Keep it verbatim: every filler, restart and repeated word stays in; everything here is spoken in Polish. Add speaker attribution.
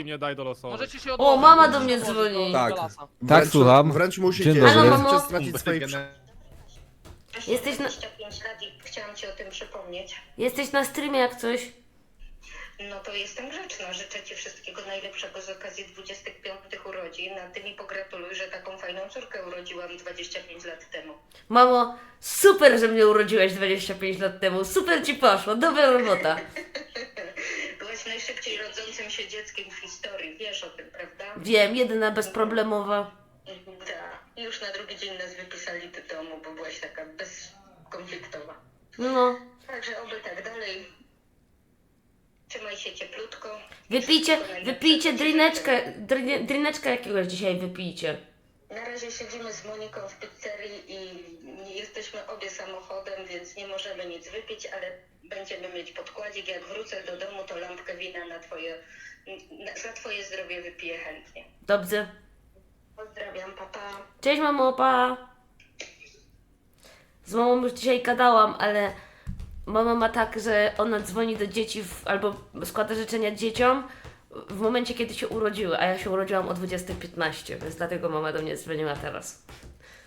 Speaker 1: nie daj do losowych.
Speaker 2: Możecie się
Speaker 3: O,
Speaker 2: odłożyć,
Speaker 3: mama
Speaker 2: możecie
Speaker 3: do
Speaker 2: się
Speaker 3: mnie
Speaker 2: odłożyć
Speaker 3: dzwoni.
Speaker 2: do-
Speaker 4: Tak.
Speaker 2: do lasa.
Speaker 4: Wręcz-
Speaker 5: słucham.
Speaker 4: Wręcz musicie,
Speaker 5: Dzień
Speaker 4: żeby
Speaker 3: dobry.
Speaker 4: nie
Speaker 3: Halo, mamo.
Speaker 4: stracić swojej...
Speaker 3: Jesteś na-
Speaker 6: dwadzieścia pięć lat i chciałam Ci o tym przypomnieć.
Speaker 3: Jesteś na streamie jak coś?
Speaker 6: No to jestem grzeczna. Życzę Ci wszystkiego najlepszego z okazji dwudziestych piątych urodzin. A Ty mi pogratuluj, że taką fajną córkę urodziłam dwadzieścia pięć lat temu.
Speaker 3: Mamo, super, że mnie urodziłaś dwadzieścia pięć lat temu. Super ci poszło, dobra robota.
Speaker 6: Byłaś najszybciej rodzącym się dzieckiem w historii. Wiesz o tym, prawda?
Speaker 3: Wiem, jedyna bezproblemowa.
Speaker 6: Tak. I już na drugi dzień nas wypisali do domu, bo byłaś taka bezkonfliktowa.
Speaker 3: No,
Speaker 6: Także oby tak dalej. Trzymaj się cieplutko.
Speaker 3: wypijcie,
Speaker 6: Wszystkiego najlepszego
Speaker 3: wypijcie
Speaker 6: Ci
Speaker 3: drineczkę, drin, drineczkę jakiegoś dzisiaj wypijcie.
Speaker 6: Na razie siedzimy z Moniką w pizzerii i nie jesteśmy obie samochodem, więc nie możemy nic wypić, ale będziemy mieć podkładzik. Jak wrócę do domu, to lampkę wina na twoje, na, za twoje zdrowie wypiję chętnie.
Speaker 3: Dobrze.
Speaker 6: Pozdrawiam, papa.
Speaker 3: Cześć mamo, pa. Z mamą już dzisiaj gadałam, ale mama ma tak, że ona dzwoni do dzieci w, albo składa życzenia dzieciom w momencie, kiedy się urodziły, a ja się urodziłam o dwudziestej piętnaście, więc dlatego mama do mnie dzwoniła teraz.